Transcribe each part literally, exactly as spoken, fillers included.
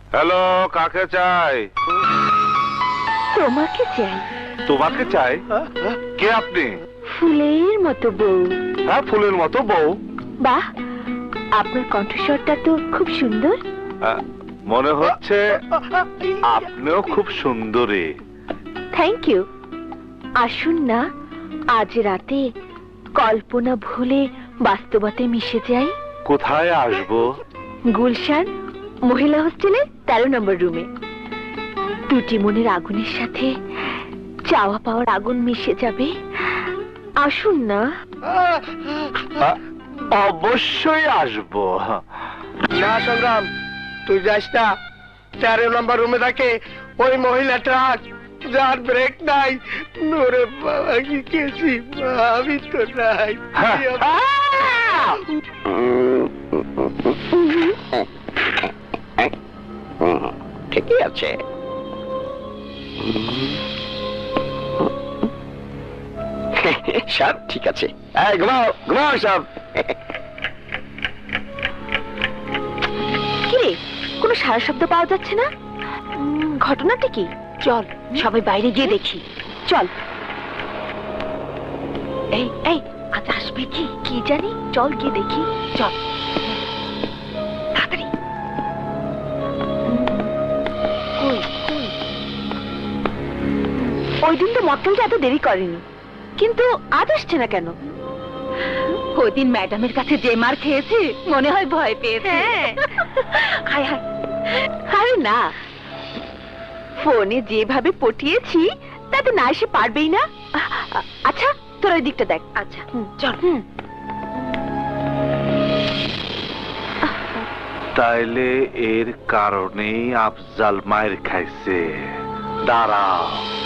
Hello, কাকে চাই? তোমাকে চাই। তোমাকে চাই? কে আপনি? ফুলের মতো বউ। হ্যাঁ, ফুলের মতো বউ। বাহ, আপনার কণ্ঠস্বরটা তো খুব সুন্দর। আহ, মনে হচ্ছে আপনিও খুব সুন্দরী। Thank you. আসুন না, আজ রাতে কল্পনা ভুলে বাস্তবতায় মিশে যাই। কোথায় আসবো? গুলশান মহিলা হোস্টেলের তেরো নম্বর রুমে। দুটি মনের আগুনের সাথে চাওয়া পাওয়ার আগুন মিশে যাবে। আসুন না। আহ, অবশ্যই আসবো। না সংগ্রাম, তুই যাস না। তেরো নম্বর রুমে থাকে ওই মহিলাটা, যার ব্রেক নাই। নোরে বাবা কি কেছি, আমি তো নাই। ঠিকই আছে। সব ঠিক আছে। এই ঘুমাও ঘুমাও সব। কিরে, কোনো সারা শব্দ পাওয়া যাচ্ছে না। উম, ঘটনাটা কি? চল সবাই বাইরে গিয়ে দেখি। চল। এই এই আজ আসবে কি কি জানি, চল গিয়ে দেখি। চল তাড়াতাড়ি। কই কই? ওই দিন তো মক্কেলটা এত দেরি করেনি, কিন্তু আজ আসছে না কেন? ওই দিন ম্যাডামের কাছে যে মার খেয়েছে, মনে হয় ভয় পেয়েছে। হায় হায়, আরে না, ফোনে যেভাবে পটিয়েছি তাতে না এসে পারবেই না। আচ্ছা, তোর ওই দিকটা দেখ। আচ্ছা চল। তাইলে এর কারণেই আফজাল মায়ের খাইছে। দাঁড়াও।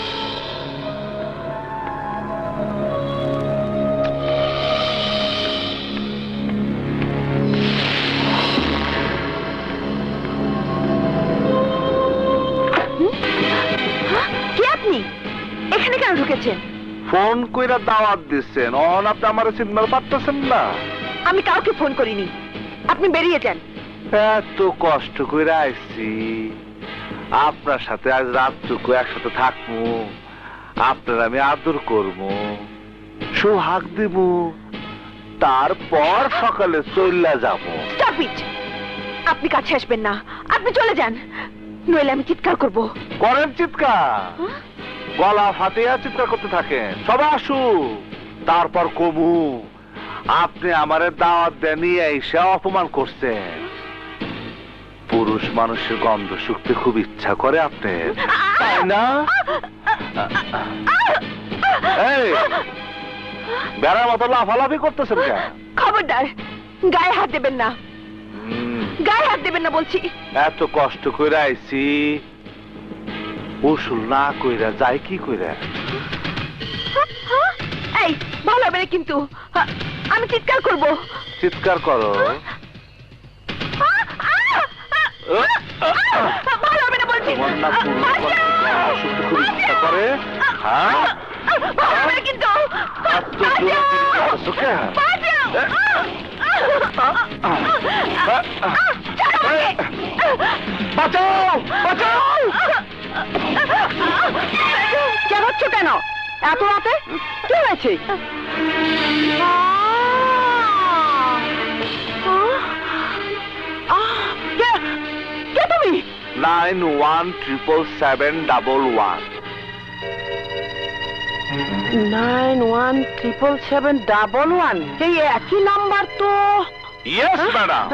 কে আপনি? এখানে কেন ঢুকেছেন? ফোন কইরা দাওয়াত দিচ্ছেন, অন আপনি আমার সিগন্যাল পাচ্ছেন না। আমি কাউকে ফোন করিনি, আপনি বেরিয়ে যান। এত কষ্ট করে আইছি, আপনার সাথে আজ রাতটুকু একসাথে থাকবো, আপনার আমি আদর করবো, সোহাগ দিব, তারপর সকালে চলে যাবো। Stop it! আপনি কাছে আসবেন না, আপনি চলে যান, নইলে আমি চিৎকার করব। করেন চিৎকার, গলা ফাটিয়া চিৎকার করতে থাকেন। সবাই আসু, তারপর কমু আপনি আমারে দাওয়াত দেনি, এসে অপমান করছেন। পুরুষ মানুষের গন্ধ শুকতে খুব ইচ্ছা করে আপনার, তাই না? এই বেড়ার মতো লাফালাফি করতেছেন কেন? খবরদার, গায়ে হাত দেবেন না, গায়ে হাত দেবেন না বলছি। এত কষ্ট করে আইছি, উসুল না কইরা যাই কি কইরা? এই ভালো হবে না কিন্তু, আমি চিৎকার করব। চিৎকার করো। ভালো হবে না বলছি। তোমার না পুরুষ মানুষের গন্ধ শুকতে খুব ইচ্ছা করে? হ্যাঁ, ভালো হবে না কিন্তু। এত জোরে চিৎকার করছো কেন? বাঁচাও বাঁচাও! চেঁচাচ্ছ কেন এত রাতে? কি হয়েছে? কে তুমি? Nine one triple seven double one. Nine one triple seven double one, এই একই নাম্বার তো। ইয়েস ম্যাডাম,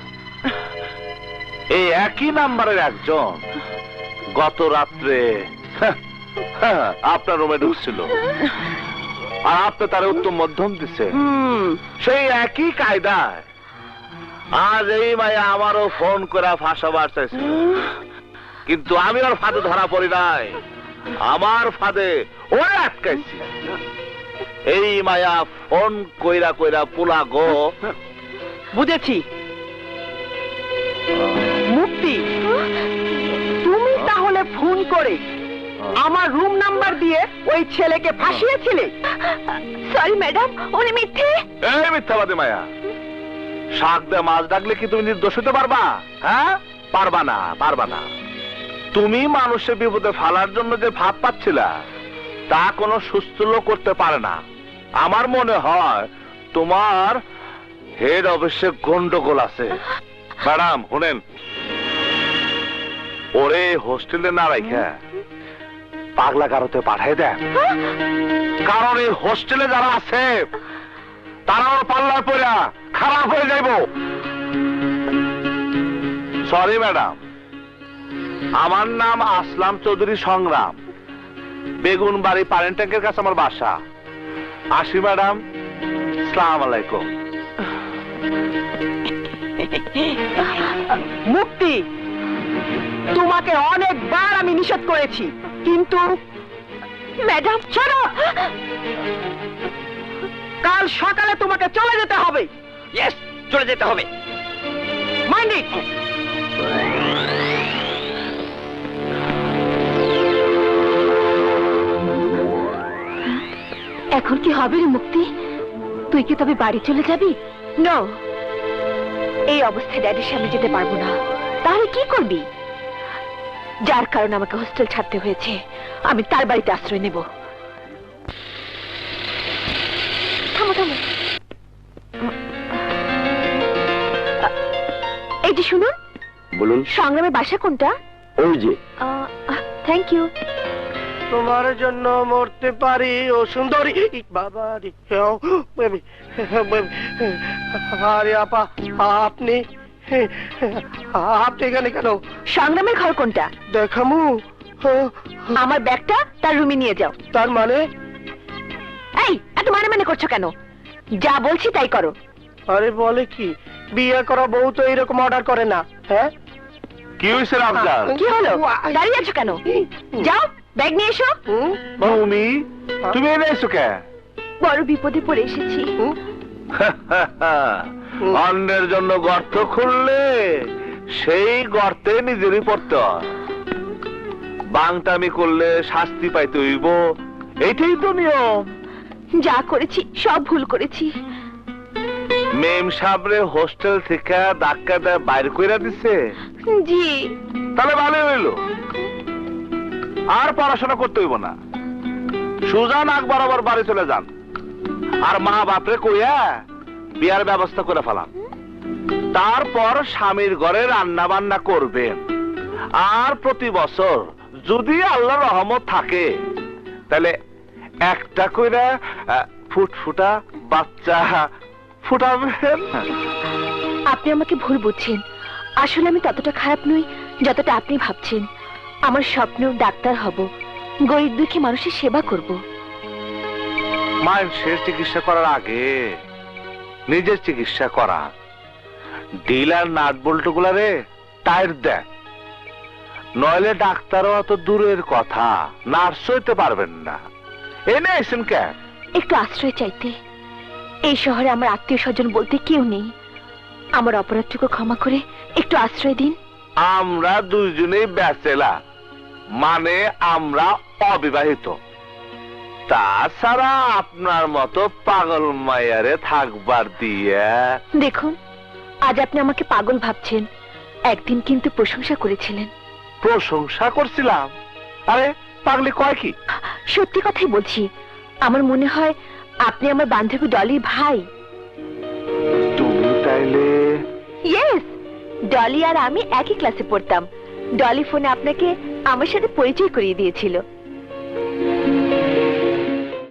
এই একই নাম্বারের একজন গত রাত্রে আপনার রুমে ঢুকছিল, আর আপনি তার উত্তম মধ্যম দিচ্ছে। সেই একই কায়দায় আজ এই মায়া আমারও ফোন করে ফাঁসাবার চাইছিল, কিন্তু আমি ওর ফাঁদে ধরা পড়ি নাই, আমার ফাঁদে ওরে আটকাইছি। এই মায়া ফোন কইরা কইরা পোলা গো। বুঝেছি, মুক্তি তুমি তাহলে ফোন করে আমার রুম নাম্বার দিয়ে ওই ছেলেকে ফাঁসিয়েছিলে। সরি ম্যাডাম, উনি মিথ্যে। এই মিথ্যাবাদী মায়া, শাক দিয়ে মাছ ডাকলে কি তুমি নির্দোষ হতে পারবা? হ্যাঁ, পারবা না, পারবা না। তুমি মানুষের বিপদে ফালার জন্য যে ভাব পাচ্ছিলা, তা কোনো সুস্থ লোক করতে পারে না। আমার মনে হয় তোমার হেড অফিসে গন্ডগোল আছে। ম্যাডাম শুনেন, ওরে হোস্টেলে না রাখা পাগলা গারোতে পাঠাই দেন। কারণ এই হোস্টেলে যারা আছে তারাও পাল্লার পড়া খারাপ হয়ে যাইব। সরি ম্যাডাম, আমার নাম আসলাম চৌধুরী সংগ্রাম, বেগুন বাড়ি পারেন ট্যাঙ্কের কাছে আমার বাসা। আসি ম্যাডাম, আসসালামু আলাইকুম। মুক্তি, তোমাকে অনেকবার আমি নিষেধ করেছি, কিন্তু ম্যাডাম ছাড়ো, কাল সকালে তোমাকে চলে যেতে হবে। ইয়েস, চলে যেতে হবে। Mind it. এখন কি হবে রে মুক্তি? তুই কি তবে বাড়ি চলে যাবি? নো, এই অবস্থায় ড্যাডির সামনে যেতে পারবো না। তাহলে কি করবি? যার কারণে আমাকে হোস্টেল ছাড়তে হয়েছে, আমি তার বাড়িতে আশ্রয় নেব। থামো থামো, এই যে শুনুন। বলুন। সংগ্রামের বাসা কোনটা? ওই যে। Thank you. তোমার জন্য মরতে পারি ও সুন্দরী বাবা রে। আরে আপা, আপনি আপনি এখানে কেন? সংগ্রামের ঘর কোনটা? দেখামু। আমার ব্যাগটা তার রুমে নিয়ে যাও। তার মানে? এই, এত মানে মানে করছো কেন? যা বলছি তাই করো। আরে বলে কি, বিয়ে করা বউ তো এইরকম অর্ডার করে না। হ্যাঁ, কি হয়েছে রামজান? কি হলো? দাঁড়িয়ে আছো কেন? যাও, ব্যাগ নিয়ে এসো। তুমি তুমি এনে এসো কে? বড় বিপদে পড়ে এসেছি। অন্যের জন্য গর্ত খুললে সেই গর্তে নিজেরই পড়তে হয়। বাংটামি করলে শাস্তি পাইতে হইব, এইটাই তো নিয়ম। যা করেছি সব ভুল করেছি। মেম সাবরে হোস্টেল থেকে ধাক্কা দেয় বাইর কইরা দিছে। জি। তাহলে ভালো হইল, আর পড়াশোনা করতে হইব না। সুজা নাক বরাবর বাড়ি চলে যান, আর মা বাপরে কইয়া বিয়ার ব্যবস্থা করে ফেলান। তারপর স্বামীর ঘরে রান্না বান্না করবেন। আর প্রতি বছর যদি আল্লাহর রহমত থাকে, তাহলে একটা কইরা ফুটফুটা বাচ্চা ফুটাবেন। আপনি আমাকে ভুল বুঝছেন। আসলে আমি ততটা খারাপ নই যতটা আপনি ভাবছেন। আমার স্বপ্ন ডাক্তার হব, গরিব দুঃখী মানুষের সেবা করব। মানুষের চিকিৎসা করার আগে নিজের চিকিৎসা করা। ডিলার নাট বল্টু গুলারে টায়ার দেন, নইলে ডাক্তারও অত দূরের কথা, নার্স হইতে পারবেন না। এনে আইসেন কেন? একটু আশ্রয় চাইতে। এই শহরে আমার আত্মীয় স্বজন বলতে কেউ নেই। আমার অপরাধটুকু ক্ষমা করে একটু আশ্রয় দিন। আমরা দুইজনেই ব্যাচেলার, মানে আমরা অবিবাহিত। তাছাড়া আপনার মতো পাগল মায়ারে থাকবার দিয়ে। দেখুন, আজ আপনি আমাকে পাগল ভাবছেন, একদিন কিন্তু প্রশংসা করেছিলেন। প্রশংসা করছিলাম? আরে পাগলি কয় কি? সত্যি কথাই বলছি। আমার মনে হয় আপনি আমার বান্ধবী ডলির ভাই। তুমি তাইলে? ইয়েস, ডলি আর আমি একই ক্লাসে পড়তাম। ডলি ফোনে আপনাকে আমার সাথে পরিচয় করিয়ে দিয়েছিল।